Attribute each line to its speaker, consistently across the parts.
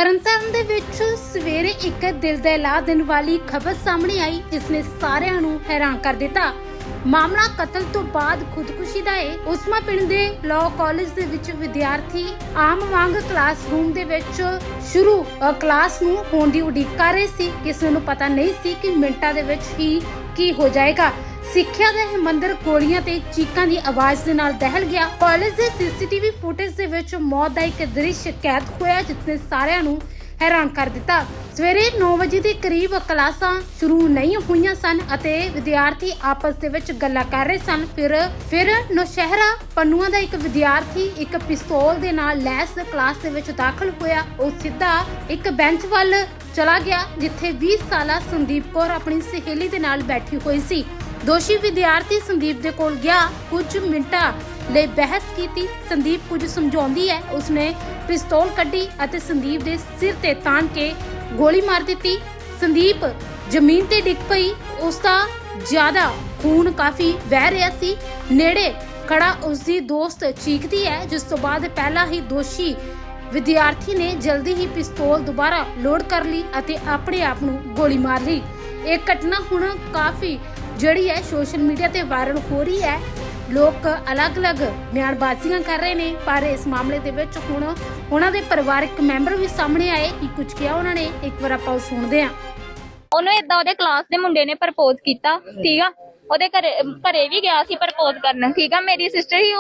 Speaker 1: ਤਰਨਤਾਰਨ ਦੇ ਵਿੱਚ ਸਵੇਰੇ ਇੱਕ ਦਿਲ ਦਹਿਲਾ ਦੇਣ ਵਾਲੀ ਖਬਰ ਸਾਹਮਣੇ ਆਈ ਜਿਸ ਨੇ ਸਾਰਿਆਂ ਨੂੰ ਹੈਰਾਨ ਕਰ ਦਿੱਤਾ। ਮਾਮਲਾ ਕਤਲ ਤੋਂ ਬਾਅਦ ਖੁਦਕੁਸ਼ੀ ਦਾ ਹੈ। ਉਸਮਾ ਪਿੰਡ ਦੇ ਲਾਅ ਕਾਲਜ ਦੇ ਵਿੱਚ ਵਿਦਿਆਰਥੀ ਆਮ ਵਾਂਗ ਕਲਾਸਰੂਮ ਦੇ ਵਿੱਚ ਸ਼ੁਰੂ ਕਲਾਸ ਨੂੰ ਹੋਣ ਦੀ ਉਡੀਕ ਕਰ ਰਹੇ ਸੀ। ਕਿਸੇ ਨੂੰ ਪਤਾ ਨਹੀਂ ਸੀ ਕਿ ਮਿੰਟਾਂ ਦੇ ਵਿੱਚ ਹੀ ਕੀ ਹੋ ਜਾਏਗਾ। ਸਿੱਖਿਆ ਦਾ ਇਹ ਮੰਦਿਰ ਗੋਲੀਆਂ ਤੇ ਚੀਕਾਂ ਦੀ ਆਵਾਜ਼ ਦੇ ਨਾਲ ਦਹਿਲ ਗਿਆ। ਕਾਲਜ ਦੇ ਸੀਸੀਟੀਵੀ ਫੁਟੇਜ ਦੇ ਵਿੱਚ ਮੌਤ ਦਾ ਇੱਕ ਦ੍ਰਿਸ਼ ਕੈਦ ਹੋਇਆ ਜਿਸ ਨੇ ਸਾਰਿਆਂ ਨੂੰ ਹੈਰਾਨ ਕਰ ਦਿੱਤਾ। ਸਵੇਰੇ 9 ਵਜੇ ਦੇ ਕਰੀਬ ਕਲਾਸਾਂ ਸ਼ੁਰੂ ਨਹੀਂ ਹੋਈਆਂ ਸਨ ਅਤੇ ਵਿਦਿਆਰਥੀ ਆਪਸ ਦੇ ਵਿੱਚ ਗੱਲਾਂ ਕਰ ਰਹੇ ਸਨ। ਫਿਰ ਨੌਸ਼ਹਿਰਾ ਪੰਨੂਆਂ ਦਾ ਇੱਕ ਵਿਦਿਆਰਥੀ ਇੱਕ ਪਿਸਤੌਲ ਦੇ ਨਾਲ ਲੈਸ ਕਲਾਸ ਦੇ ਵਿੱਚ ਦਾਖਲ ਹੋਇਆ। ਉਹ ਸਿੱਧਾ ਇੱਕ ਬੈਂਚ ਵੱਲ ਚਲਾ ਗਿਆ ਜਿੱਥੇ 20 ਸਾਲਾ ਸੰਦੀਪ ਕੌਰ ਆਪਣੀ ਸਹੇਲੀ ਦੇ ਨਾਲ ਬੈਠੀ ਹੋਈ ਸੀ। ਦੋਸ਼ੀ ਵਿਦਿਆਰਥੀ ਸੰਦੀਪ ਦੇ ਕੋਲ ਗਿਆ, ਕੁਝ ਮਿੰਟਾਂ ਲਈ ਬਹਿਸ ਕੀਤੀ। ਸੰਦੀਪ ਕੁਝ ਸਮਝਾਉਂਦੀ ਹੈ। ਉਸਨੇ ਪਿਸਤੌਲ ਕੱਢੀ ਅਤੇ ਸੰਦੀਪ ਦੇ ਸਿਰ ਤੇ ਤਾਣ ਕੇ ਗੋਲੀ ਮਾਰ ਦਿੱਤੀ। ਸੰਦੀਪ ਜ਼ਮੀਨ ਤੇ ਡਿੱਗ ਪਈ। ਉਸ ਦਾ ਜ਼ਿਆਦਾ ਖੂਨ ਕਾਫੀ ਵਹਿ ਰਿਹਾ ਸੀ। ਨੇੜੇ ਖੜਾ ਉਸਦੀ ਦੋਸਤ ਚੀਕਦੀ ਹੈ ਜਿਸ ਤੋਂ ਬਾਅਦ ਪਹਿਲਾਂ ਹੀ ਦੋਸ਼ੀ ਵਿਦਿਆਰਥੀ ਨੇ ਜਲਦੀ ਹੀ ਪਿਸਤੌਲ ਦੁਬਾਰਾ ਲੋਡ ਕਰ ਲਈ ਅਤੇ ਆਪਣੇ ਆਪ ਨੂੰ ਗੋਲੀ ਮਾਰ ਲਈ। ਇਹ ਘਟਨਾ ਹੁਣ ਕਾਫੀ ਜਿਹੜੀ ਹੈ ਸੋਸ਼ਲ ਮੀਡੀਆ ਤੇ ਵਾਇਰਲ ਹੋ ਰਹੀ ਹੈ। ਲੋਕ ਅਲੱਗ-ਅਲੱਗ ਬਿਆਨਬਾਜ਼ੀਆਂ ਕਰ ਰਹੇ ਨੇ ਪਰ ਇਸ ਮਾਮਲੇ ਦੇ ਵਿੱਚ ਹੁਣ ਉਹਨਾਂ ਦੇ ਪਰਿਵਾਰਕ ਮੈਂਬਰ ਵੀ ਸਾਹਮਣੇ ਆਏ ਕਿ ਕੁਝ ਕਿਹਾ ਉਹਨਾਂ ਨੇ। ਇੱਕ ਵਾਰ ਆਪਾਂ ਸੁਣਦੇ ਹਾਂ।
Speaker 2: ਉਹਨੂੰ ਇਦਾਂ ਉਹਦੇ ਕਲਾਸ ਦੇ ਮੁੰਡੇ ਨੇ ਪ੍ਰਪੋਜ਼ ਕੀਤਾ, ਠੀਕ ਆ। ਉਹਦੇ ਘਰੇ ਵੀ ਗਿਆ ਸੀ ਪ੍ਰਪੋਜ਼ ਕਰਨ, ਠੀਕ ਆ। ਮੇਰੀ ਸਿਸਟਰ ਹੀ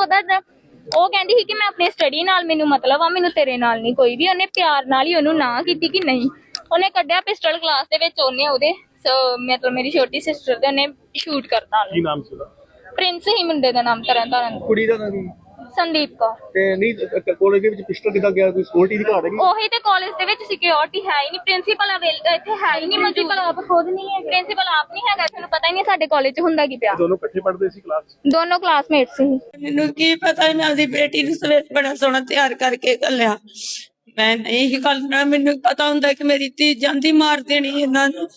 Speaker 2: ਉਹ ਕਹਿੰਦੀ ਸੀ ਕਿ ਮੈਂ ਆਪਣੀ ਸਟੱਡੀ ਨਾਲ ਮੈਨੂੰ ਮਤਲਬ ਆ, ਮੈਨੂੰ ਤੇਰੇ ਨਾਲ ਨਹੀਂ ਕੋਈ ਵੀ। ਉਹਨੇ ਪਿਆਰ ਨਾਲ ਹੀ ਉਹਨੂੰ ਨਾ ਕੀਤੀ ਕਿ ਨਹੀਂ। ਉਹਨੇ ਕੱਢਿਆ ਪਿਸਟਲ ਕਲਾਸ ਦੇ ਵਿੱਚ, ਉਹਨੇ ਉਹਦੇ ਮਤਲਬ ਮੇਰੀ ਛੋਟੀ ਸਿਸਟਰ ਦੇ ਉਹਨੇ ਸ਼ੂਟ ਕਰਤਾ।
Speaker 3: ਕੀ ਨਾਮ ਸੀ ਉਹਦਾ?
Speaker 2: ਪ੍ਰਿੰਸ ਹੀ ਮੁੰਡੇ ਦਾ ਨਾਮ। ਤਰਨਤਾਰਨ
Speaker 3: ਕੁੜੀ ਦਾ ਨਾਮ ਕੀ?
Speaker 2: ਸੰਦੀਪ ਕੌਰ।
Speaker 3: ਤੇ ਨਹੀਂ ਕਾਲਜ ਦੇ ਵਿੱਚ ਪਿਸਟਲ ਕਿੱਦਾਂ ਗਿਆ? ਕੋਈ ਸਿਕਿਉਰਿਟੀ ਦੀ ਘਾਟ ਹੈਗੀ?
Speaker 2: ਉਹੀ ਤੇ ਕਾਲਜ ਦੇ ਵਿੱਚ ਸਿਕਿਉਰਿਟੀ ਹੈ ਹੀ ਨਹੀਂ। ਪ੍ਰਿੰਸੀਪਲ ਇੱਥੇ ਹੈ ਹੀ ਨਹੀਂ। ਪ੍ਰਿੰਸੀਪਲ ਆਪ ਖੁਦ ਨਹੀਂ ਹੈ। ਪ੍ਰਿੰਸੀਪਲ ਆਪ ਨਹੀਂ ਹੈਗਾ। ਤੁਹਾਨੂੰ ਪਤਾ ਹੀ ਨਹੀਂ ਸਾਡੇ ਕਾਲਜ 'ਚ ਹੁੰਦਾ ਕੀ ਪਿਆ।
Speaker 3: ਦੋਨੋਂ ਇਕੱਠੇ ਪੜ੍ਹਦੇ ਸੀ ਕਲਾਸ 'ਚ?
Speaker 2: ਦੋਨੋਂ ਕਲਾਸਮੇਟ ਸੀ।
Speaker 4: ਮੈਨੂੰ ਕੀ ਪਤਾ ਇਹਨਾਂ ਦੀ ਬੇਟੀ ਨੂੰ ਸਵੇਰੇ ਬੜਾ ਸੋਹਣਾ ਤਿਆਰ ਕਰਕੇ ਘੱਲਿਆ। ਮੈਂ ਨਹੀਂ ਹੀ ਕਰਨਾ। ਮੈਨੂੰ ਪਤਾ ਹੁੰਦਾ ਕਿ ਮੇਰੀ ਧੀ ਜਾਂਦੀ ਮਾਰ ਦੇਣੀ ਇਹਨਾਂ ਨੂੰ।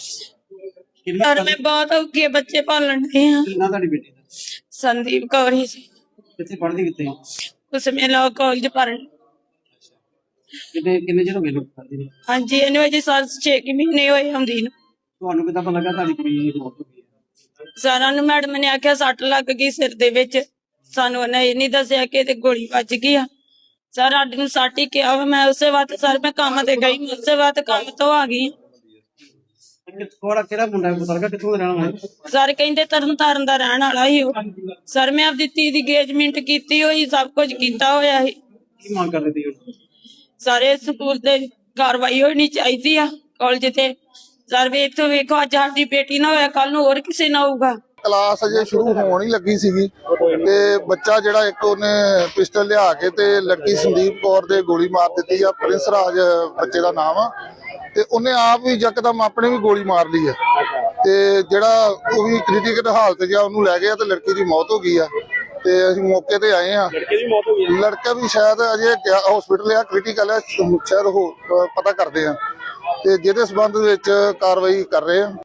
Speaker 4: ਪਰ ਮੈਂ ਬਹੁਤ ਔਖੇ ਬੱਚੇ ਪਾਲਣ ਡਈ ਹਾਂ।
Speaker 5: ਕਿੰਨਾ ਤੁਹਾਡੀ ਬੇਟੀ ਦਾ?
Speaker 4: ਸੰਦੀਪ ਕੌਰ ਹੀ ਸੀ।
Speaker 5: ਕਿੱਥੇ ਪੜ੍ਹਦੀ ਕਿੱਥੇ?
Speaker 4: ਉਸ ਮੇ ਲਾਅ ਕਾਲਜ ਪੜ੍ਹਨ।
Speaker 5: ਕਿੰਨੇ ਚਿਰ ਹੋ ਗਏ ਲੋਕ ਪੜ੍ਹਦੀ ਨੂੰ?
Speaker 4: ਹਾਂਜੀ, ਇਹਨੂੰ ਅਜੇ 6 ਮਹੀਨੇ ਹੋਏ ਹੁੰਦੀ ਨੂੰ।
Speaker 5: ਤੁਹਾਨੂੰ ਕਿੱਦਾਂ ਪਤਾ ਲੱਗਾ ਤੁਹਾਡੀ ਕੁੜੀ ਦੀ ਮੌਤ ਹੋ ਗਈ ਹੈ?
Speaker 4: ਸਾਰਿਆਂ ਨੂੰ ਮੈਡਮ ਨੇ ਆਖਿਆ ਸੱਟ ਲੱਗ ਗਈ ਸਿਰ ਦੇ ਵਿੱਚ। ਸਾਨੂੰ ਉਹਨੇ ਇਹ ਨਹੀਂ ਦੱਸਿਆ ਕਿ ਇਹਦੇ ਗੋਲੀ ਵੱਜ ਗਈ ਆ। ਸਰ ਸਾਡੇ ਨੂੰ ਸੱਟ ਹੀ ਕਿਹਾ। ਮੈਂ ਉਸੇ ਵਕਤ ਸਰ ਮੈਂ ਕੰਮ ਤੇ ਗਈ, ਮੈਂ ਉਸੇ ਵਕਤ ਕੰਮ ਤੋਂ ਆ ਗਈ।
Speaker 5: ਕਿਹੜਾ ਮੁੰਡਾ ਪਤਾ ਲੱਗਾ ਕਿੱਥੋਂ ਦਾ ਰਹਿਣ ਵਾਲਾ?
Speaker 4: ਸਰ ਕਹਿੰਦੇ ਤਰਨਤਾਰਨ ਦਾ ਰਹਿਣ ਵਾਲਾ ਹੀ ਉਹ। ਸਰ ਮੈਂ ਆਪਦੀ ਧੀ ਦੀ engagement ਕੀਤੀ ਹੋਈ, ਸਭ ਕੁਝ ਕੀਤਾ ਹੋਇਆ ਸੀ।
Speaker 5: ਕੀ ਮੰਗ ਕਰ ਰਹੀ ਸੀ?
Speaker 4: ਸਾਰੇ ਸਕੂਲ ਤੇ ਕਾਰਵਾਈ ਹੋਣੀ ਚਾਹੀਦੀ ਆ ਕਾਲਜ ਤੇ। ਸਰ ਵੀ ਇੱਥੋਂ ਵੇਖੋ, ਅੱਜ ਸਾਡੀ ਬੇਟੀ ਨਾ ਹੋਇਆ, ਕੱਲ ਨੂੰ ਹੋਰ ਕਿਸੇ ਨਾਲ ਹੋਊਗਾ।
Speaker 6: ਕਲਾਸ ਅਜੇ ਸ਼ੁਰੂ ਹੋਣ ਹੀ ਲੱਗੀ ਸੀਗੀ ਤੇ ਬੱਚਾ ਜਿਹੜਾ ਇੱਕ ਉਹਨੇ ਪਿਸਟਲ ਲਿਆ ਕੇ ਤੇ ਲੜਕੀ ਸੰਦੀਪ ਕੌਰ ਦੇ ਗੋਲੀ ਮਾਰ ਦਿੱਤੀ ਆ। ਪ੍ਰਿੰਸ ਰਾਜ ਬੱਚੇ ਦਾ ਨਾਮ ਆ ਤੇ ਉਹਨੇ ਆਪ ਵੀ ਯਕਦਮ ਆਪਣੇ ਵੀ ਗੋਲੀ ਮਾਰ ਲਈ ਆ ਤੇ ਜਿਹੜਾ ਉਹ ਵੀ ਕ੍ਰਿਟੀਕਲ ਹਾਲਤ 'ਚ ਆ, ਉਹਨੂੰ ਲੈ ਗਏ ਤੇ ਲੜਕੀ ਦੀ ਮੌਤ ਹੋ ਗਈ ਆ। ਤੇ ਅਸੀਂ ਮੌਕੇ ਤੇ ਆਏ ਆ।
Speaker 3: ਲੜਕੇ ਦੀ ਮੌਤ ਹੋ ਗਈ?
Speaker 6: ਲੜਕਾ ਵੀ ਸ਼ਾਇਦ ਅਜੇ ਹਸਪੀਟਲ ਆ, ਕ੍ਰਿਟੀਕਲ ਆ, ਸ਼ਾਇਦ ਉਹ ਪਤਾ ਕਰਦੇ ਆ ਤੇ ਜਿਹਦੇ ਸਬੰਧ ਵਿੱਚ ਕਾਰਵਾਈ ਕਰ ਰਹੇ ਆ।